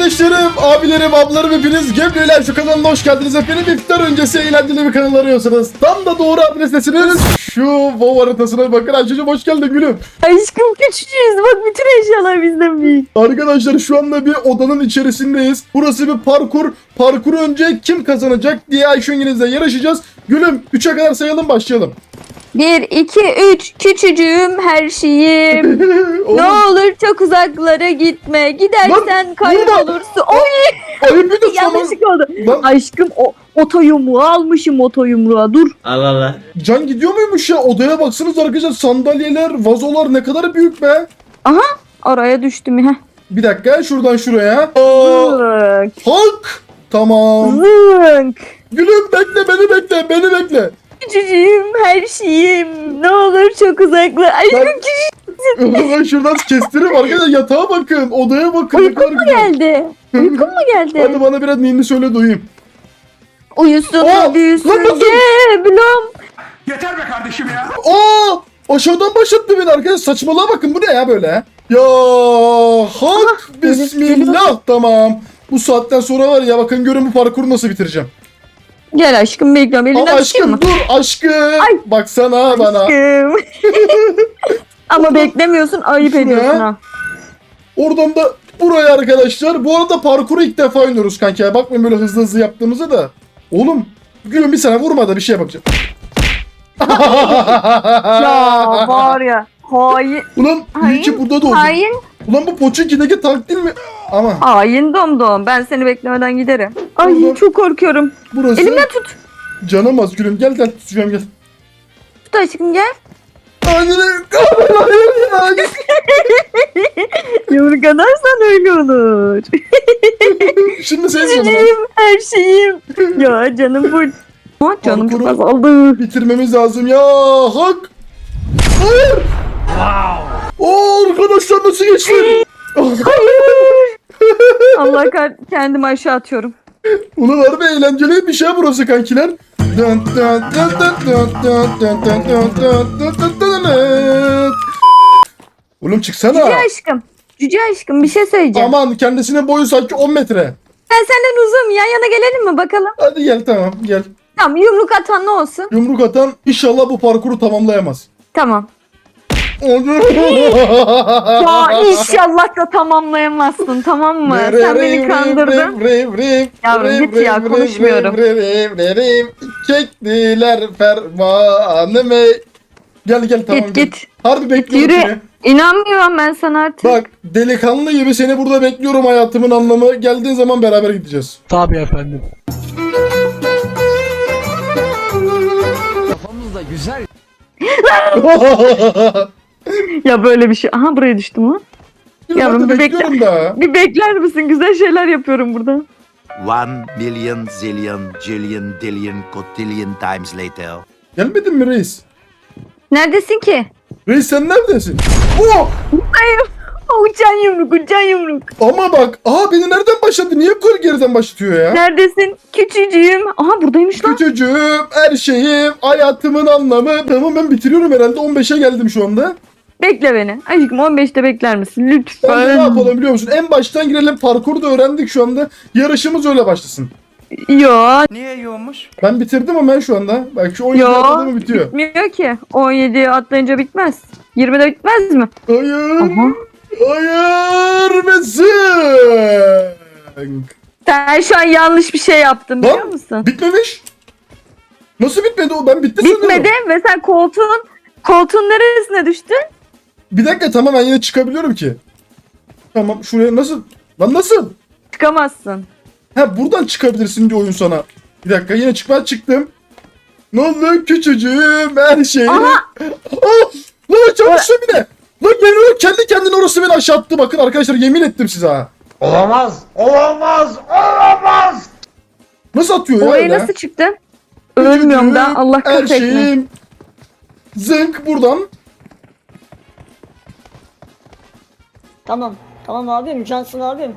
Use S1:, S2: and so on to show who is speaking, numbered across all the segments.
S1: Kardeşlerim, abilerim, ablalarım hepiniz Gabriel şu kanalına hoş geldiniz. Efendim iftar öncesi eğlenceli bir kanal arıyorsanız tam da doğru adrestesiniz. Şu WoW haritasına bakın. Ayşe'cim hoş geldin gülüm.
S2: Aşkım küçücüğüz, bak bütün eşyalar bizden büyük.
S1: Arkadaşlar şu anda bir odanın içerisindeyiz. Burası bir parkur. Parkuru önce kim kazanacak diye Ayşe İngiliz'le yarışacağız. Gülüm 3'e kadar sayalım, başlayalım.
S2: 1, 2, 3 küçücüğüm her şeyim. Ne olur çok uzaklara gitme. Gidersen kaybolursun. Oy!
S1: Ayıp bir de
S2: Yanlışlık oldu.
S1: Lan-
S2: Aşkım oto yumruğu almışım, oto yumruğa. Dur.
S3: Allah Allah.
S1: Can gidiyor muymuş ya? Odaya baksanız arkadaşlar, sandalyeler, vazolar ne kadar büyük be.
S2: Araya düştüm ya.
S1: Bir dakika, şuradan şuraya.
S2: Zınk.
S1: Halk. Tamam.
S2: Zınk.
S1: Gülüm bekle, beni bekle.
S2: Küçücüğüm her şeyim. Ne olur çok uzaklara. Aşkım küçücüğüm.
S1: Ben şuradan kestireyim arkadaşlar, yatağa bakın, odaya bakın. Ne kadar
S2: Uykun mu
S1: güzel.
S2: geldi? Uykun mu geldi?
S1: Hadi bana biraz ninni söyle duyayım.
S2: Uyusun
S1: Aa,
S2: büyüsün
S1: lan nasıl?
S2: Ceblom.
S4: Yeter be kardeşim ya.
S1: Aşağıdan başlattı beni arkadaşlar, saçmalığa bakın, bu ne ya böyle? Ya hak bismillah, tamam. Bu saatten sonra var ya, bakın görün bu parkuru nasıl bitireceğim.
S2: Gel aşkım, bekliyorum.
S1: Ama
S2: Elinden tutayım mı?
S1: aşkım dur aşkım.
S2: Ay.
S1: Baksana bana.
S2: Aşkım. Ama beklemiyorsun, ayıp
S1: Şuraya.
S2: ediyorsun ha.
S1: Oradan da buraya arkadaşlar. Bu arada parkuru ilk defa oynuyoruz kanka ya. Bakmayın böyle hızlı hızlı yaptığımıza da. Oğlum gülüm bir sana vurma da bir şeye bakacağım.
S2: Ya var ya. Hain.
S1: Ulan iyi ki burada doğdun.
S2: Hain.
S1: Ulan bu Pochinki'deki tank değil mi? Ama
S2: Hain domdom. Ben seni beklemeden giderim. Ay
S1: Oğlum.
S2: çok korkuyorum.
S1: burası
S2: Elimden tut.
S1: canım az gülüm. Gel tutacağım gel.
S2: Tut aşkım, gel.
S1: Hayır.
S2: Yumruk atarsan öyle olur.
S1: Şimdi sen canım.
S2: Küçücüğüm her şeyim. Ya canım bu. Ama canım çok
S1: Parkuru-
S2: azaldı.
S1: Bitirmemiz lazım ya. Hak. Hayır. Arkadaşlar nasıl geçti?
S2: Allah kendimi aşağı atıyorum.
S1: Ulan harbi eğlenceli bir şey burası kankiler. Dın dın dın dın dın dın dın dın dın dın dın dın dın. Oğlum çıksana.
S2: Cüce aşkım. Cüce aşkım, bir şey söyleyeceğim.
S1: Aman, kendisinin boyu sanki 10 metre.
S2: Ben senden uzun, yan yana gelelim mi bakalım?
S1: Hadi gel, tamam gel.
S2: Tamam, yumruk atan ne olsun?
S1: Yumruk atan inşallah bu parkuru tamamlayamaz.
S2: Tamam. Ya inşallah da tamamlayamazsın, tamam mı? Sen beni kandırdın. Yavrum, git ya, konuşmuyorum.
S1: Çektiler fermanımı. Gel tamam.
S2: Git
S1: gel.
S2: git.
S1: Harbi bekliyorum
S2: Yürü.
S1: seni.
S2: İnanmıyorum ben sana artık.
S1: Bak delikanlı gibi seni burada bekliyorum, hayatımın anlamı. Geldiğin zaman beraber gideceğiz.
S5: Tabii efendim.
S2: Ya böyle bir şey. Aha, buraya düştüm lan. Yavrum,
S1: Hadi
S2: bir
S1: bekliyorum da.
S2: Bir bekler misin? Güzel şeyler yapıyorum burada.
S6: 1 million zillion jillion dillion cotillion times later.
S1: Gelmedin mi reis?
S2: Neredesin ki?
S1: Reis sen neredesin?
S2: Uçan yumruk, uçan yumruk.
S1: Ama bak, beni nereden başladı? Niye bu kadar geriden başlatıyor ya?
S2: Neredesin? Küçücüğüm. Aha, buradaymış lan.
S1: Küçücüğüm, her şeyim, hayatımın anlamı. Tamam, ben bitiriyorum herhalde. 15'e geldim şu anda.
S2: Bekle beni. Aşkım 15'te bekler misin?
S1: Bence ne
S2: Lütfen.
S1: yapalım biliyor musun? En baştan girelim, parkuru da öğrendik şu anda. Yarışımız öyle başlasın.
S2: Yo.
S4: Niye yiyormuş?
S1: Ben bitirdim ama ben şu anda. Bak şu 17
S2: Yo.
S1: atladı mı bitiyor.
S2: Bitmiyor ki. 17 atlayınca bitmez. 20'de bitmez mi?
S1: Hayır.
S2: Aha.
S1: Hayır mısın?
S2: Sen şu an yanlış bir şey yaptın, biliyor
S1: Lan,
S2: musun?
S1: bitmemiş. Nasıl bitmedi o? Ben bitti
S2: Bitmedi
S1: sanıyorum.
S2: ve sen koltuğun neresine düştün?
S1: Bir dakika, tamam, ben yine çıkabiliyorum ki. Tamam, şuraya nasıl? Lan nasıl?
S2: Çıkamazsın.
S1: Ha, buradan çıkabilirsin diyor oyun sana. Bir dakika, yine çıktım. Ne oldu küçücüğüm her şey.
S2: Aha!
S1: Lan çalıştı bir de. Lan geliyor, kendi kendine orası beni aşağı attı. Bakın arkadaşlar, yemin ettim size ha.
S4: Olamaz.
S1: Nasıl atıyor ya
S2: Oraya
S1: öyle?
S2: nasıl çıktın? Ölmüyorum da, Allah
S1: Her
S2: kahretsin.
S1: şeyim. Zınk buradan.
S7: Tamam. Tamam abim. Cansın abim.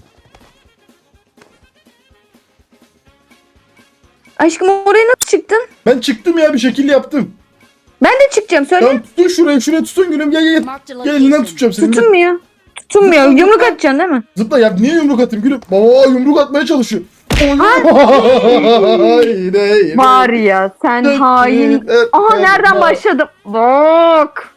S2: Aşkım oraya nasıl çıktın?
S1: Ben çıktım ya, bir şekil yaptım.
S2: Ben de çıkacağım, söyle.
S1: Tamam, tutun şuraya tutun gülüm, gel. Gel elinden tutacağım seni.
S2: Tutunmuyor. Tutunmuyor. Yumruk atacaksın değil mi?
S1: Zıpla ya, niye yumruk atayım gülüm? Baba yumruk atmaya çalışıyor. Yine.
S2: Var ya sen hain. Aha nereden başladım? Bak.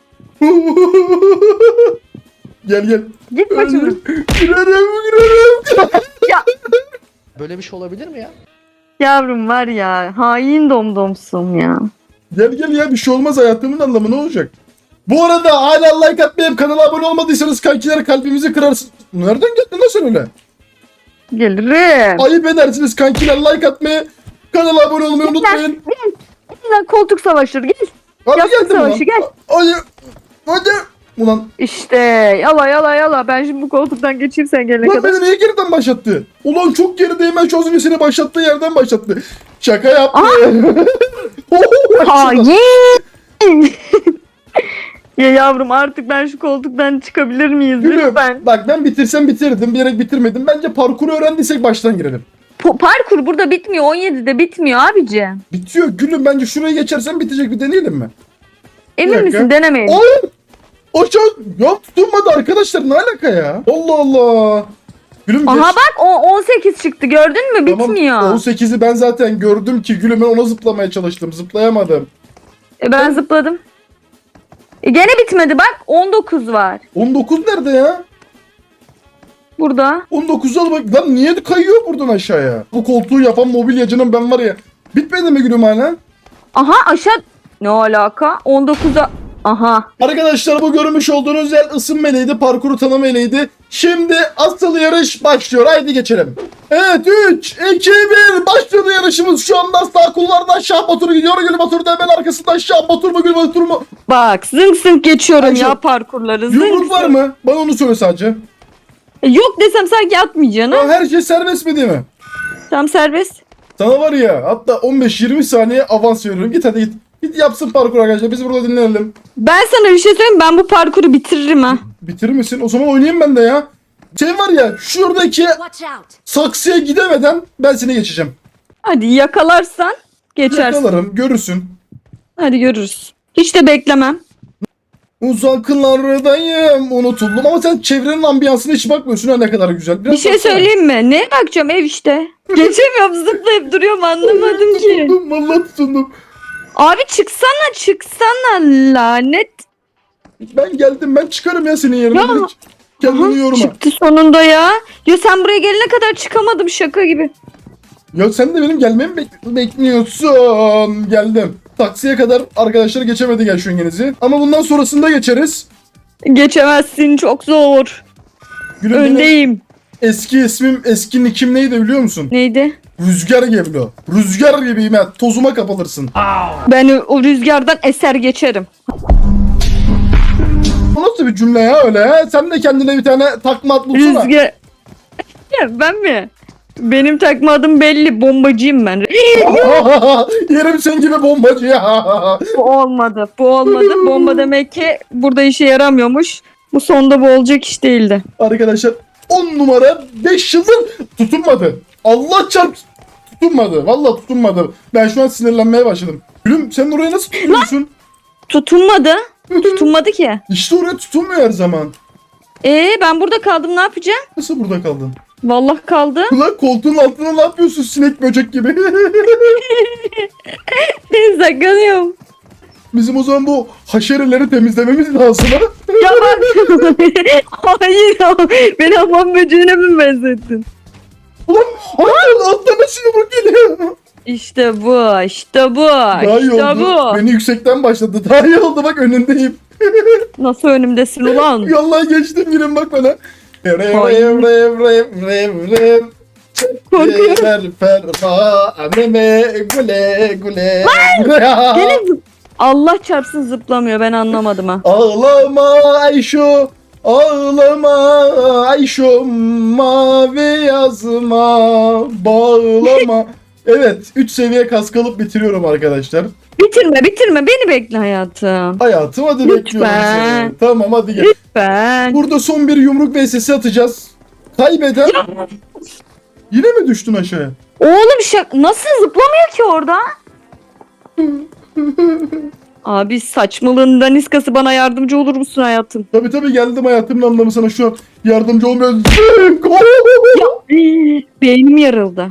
S1: Gel.
S2: Git başımdan.
S1: Girerim.
S3: Böyle bir şey olabilir mi ya?
S2: Yavrum var ya hain domdomsun ya.
S1: Gel ya, bir şey olmaz, hayatımın anlamı ne olacak? Bu arada hala like atmayıp kanala abone olmadıysanız kankiler kalbimizi kırarsın. Nereden geldin lan sen öyle?
S2: Gelirim.
S1: Ayıp edersiniz kankiler, like atmayı, kanala abone olmayı unutmayın.
S2: Gel koltuk savaşır gel.
S1: Hadi
S2: Yastık
S1: geldim
S2: savaşı, gel.
S1: Hadi. Ulan
S2: İşte yala ben şimdi bu koltuktan geçeyim sen gelene
S1: lan
S2: kadar.
S1: beni niye geriden başlattı? Ulan çok gerideyim ben, şu az önce seni başlattığı yerden başlattı. Şaka yaptı.
S2: Hain. Ya yavrum artık ben şu koltuktan çıkabilir miyiz
S1: Gülüm,
S2: lütfen?
S1: bak ben bitirsem bitirdim, bilerek bitirmedim. Bence parkuru öğrendiysek baştan girelim.
S2: Parkur burada bitmiyor 17'de bitmiyor abici.
S1: Bitiyor gülüm, bence şurayı geçersen bitecek, bir deneyelim mi?
S2: Emin
S1: Bir dakika.
S2: misin denemeyin.
S1: Hayır. Aşağı ya, tutunmadı arkadaşlar, ne alaka ya? Allah Allah. Gülüm
S2: Aha
S1: geç.
S2: bak o 18 çıktı gördün mü
S1: Tamam,
S2: bitmiyor.
S1: 18'i ben zaten gördüm ki gülüm, ben ona zıplamaya çalıştım, zıplayamadım.
S2: Ben zıpladım. Gene bitmedi bak 19 var.
S1: 19 nerede ya?
S2: Burada.
S1: 19'u al bak. Lan niye kayıyor buradan aşağıya? Bu koltuğu yapan mobilyacının ben var ya. Bitmedi mi gülüm hala?
S2: Aha aşağı. Ne alaka? 19'a. Aha.
S1: Arkadaşlar bu görmüş olduğunuz yer ısınma eleğiydi, parkuru tanıma eleğiydi. Şimdi asıl yarış başlıyor. Haydi geçelim. Evet 3, 2, 1 başladı yarışımız. Şu anda sağ kulvardan aşağı Batur gidiyor. Gül Batur da hemen arkasında aşağı. Batur mu Gül Batur mu?
S2: Bak zınk zınk geçiyorum
S1: Ayşe,
S2: ya parkurları. Zınk
S1: Yumruk var
S2: zınk.
S1: mı? Bana onu söyle sadece.
S2: Yok desem sanki atmayacaksın ha.
S1: Ya her şey serbest mi değil mi?
S2: Tam serbest.
S1: Sana var ya, hatta 15-20 saniye avans veriyorum. Git hadi git. Git yapsın parkur arkadaşlar. Biz burada dinlenelim.
S2: Ben sana bir şey söyleyeyim ben bu parkuru bitiririm ha.
S1: Bitirir misin? O zaman oynayayım ben de ya. Şey var ya, şuradaki saksıya gidemeden ben seni geçeceğim.
S2: Hadi yakalarsan geçersin.
S1: Yakalarım, görürsün.
S2: Hadi görürüz. Hiç de beklemem.
S1: Uzaklardayım, unutuldum, ama sen çevrenin ambiyansına hiç bakmıyorsun ha, ne kadar güzel. Biraz
S2: Bir şey
S1: baksana.
S2: söyleyeyim mi? Neye bakacağım ev işte. Geçemiyorum zıplayıp duruyorum anlamadım ki.
S1: Tutundum, vallahi tutundum.
S2: Abi çıksana lanet.
S1: Ben geldim, ben çıkarım ya senin yerine.
S2: Ya.
S1: Direkt. Kendini
S2: Aha,
S1: yorma.
S2: çıktı sonunda ya. Ya sen buraya gelene kadar çıkamadım şaka gibi.
S1: Ya sen de benim gelmemi bekliyorsun. Geldim. Taksiye kadar arkadaşlar geçemedi gel şu yengenizi. Ama bundan sonrasında geçeriz.
S2: Geçemezsin çok zor.
S1: Gülüm, benim
S2: Öndeyim.
S1: eski ismim, eski nickim neydi biliyor musun?
S2: Neydi?
S1: Rüzgar Geblo. Rüzgar gibiyim ha. Tozuma kapılırsın.
S2: Ben o rüzgardan eser geçerim.
S1: O nasıl bir cümle ya öyle ha? Sen de kendine bir tane takma at bulsana.
S2: Rüzgar... Ya ben mi? Benim takma adım belli. Bombacıyım ben.
S1: Yerim sen gibi bombacı ya.
S2: Bu olmadı. Bu olmadı. Bomba demek ki burada işe yaramıyormuş. Bu sonda bu olacak iş değildi.
S1: Arkadaşlar 10 numara 5 yıldır tutunmadı. Allah çarpsın. Tutunmadı. Vallahi tutunmadı. Ben şu an sinirlenmeye başladım. Gülüm sen oraya nasıl tutunuyorsun?
S2: Tutunmadı. Tutunmadı ki.
S1: İşte oraya tutunmuyor her zaman.
S2: Ben burada kaldım ne yapacağım?
S1: Nasıl burada kaldın?
S2: Vallahi kaldım.
S1: Ulan koltuğun altına ne yapıyorsun sinek böcek gibi?
S2: Saklanıyorum.
S1: Bizim o zaman bu haşereleri temizlememiz lazım ha.
S2: Ya bak. Hayır. Beni hamam böceğine mi benzettin?
S1: Ulan hayır alttan nasıl yumruk geliyor?
S2: İşte bu. İşte bu.
S1: Daha iyi
S2: İşte
S1: oldu.
S2: bu.
S1: Beni yüksekten başladı. Daha iyi oldu bak önündeyim.
S2: Nasıl önümdesin ulan?
S1: Vallahi geçtim yine bak bana.
S2: Hayır. Korkuyorum.
S1: Anneme güle güle.
S2: Gene Allah çarpsın zıplamıyor ben anlamadım ha.
S1: Ağlama Ayşo. Ağlama Ayşo. Mavi yazma. Bağlama. Evet 3 seviye kask alıp bitiriyorum arkadaşlar.
S2: Bitirme beni bekle hayatım.
S1: Hayatım hadi
S2: Lütfen.
S1: bekliyorum seni. Tamam hadi gel.
S2: Ben.
S1: Burada son bir yumruk vs atacağız. Kaybeden yine mi düştün aşağıya?
S2: Oğlum nasıl zıplamıyor ki orada? Abi saçmalığın daniskası, bana yardımcı olur musun hayatım?
S1: Tabii geldim hayatımın anlamı, sana şu an yardımcı olmuyor.
S2: Beynim yarıldı.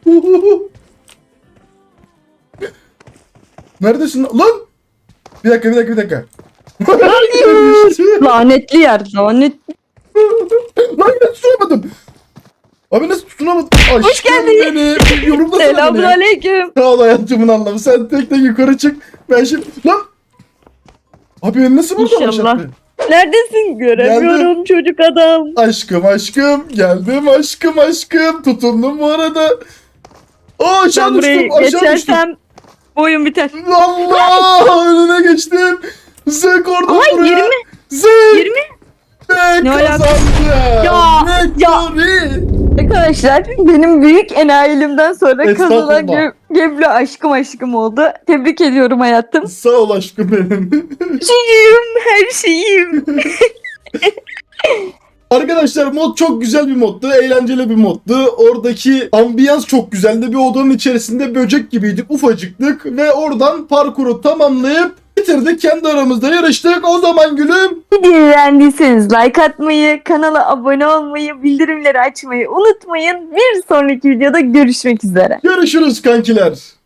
S1: Neredesin lan? Bir dakika.
S2: Lanetli yer, lanetli.
S1: Lan ben tutunamadım. Abi nasıl tutunamadım? Hoş
S2: geldin.
S1: Beni. Yorumlasana beni.
S2: Selamünaleyküm.
S1: Sağ ol hayatımın anlamı. Sen tek yukarı çık. Ben şimdi... Lan! Abi beni nasıl burada
S2: İnşallah.
S1: başlattı?
S2: Neredesin? Göremiyorum çocuk adam.
S1: Aşkım. Geldim aşkım. Tutundum bu arada. Aşağı
S2: Ben burayı
S1: düştüm. Aşağı düştüm.
S2: geçersem boyun biter.
S1: Allah! Önüne geçtim. Zek orada
S2: Ay
S1: buraya.
S2: 20.
S1: Zek!
S2: 20.
S1: Ve
S2: Ne alaka?
S1: kazandı.
S2: Ya,
S1: Victory.
S2: Arkadaşlar benim büyük enayilimden sonra kazanan
S1: Estağfurullah.
S2: Geblo aşkım oldu. Tebrik ediyorum hayatım.
S1: Sağ ol aşkım benim.
S2: Her şeyim.
S1: Arkadaşlar mod çok güzel bir moddu. Eğlenceli bir moddu. Oradaki ambiyans çok güzeldi. Bir odanın içerisinde böcek gibiydik. Ufacıktık. Ve oradan parkuru tamamlayıp bitirdik. Kendi aramızda yarıştık. O zaman gülüm.
S2: Videoyu beğendiyseniz like atmayı, kanala abone olmayı, bildirimleri açmayı unutmayın. Bir sonraki videoda görüşmek üzere.
S1: Görüşürüz kankiler.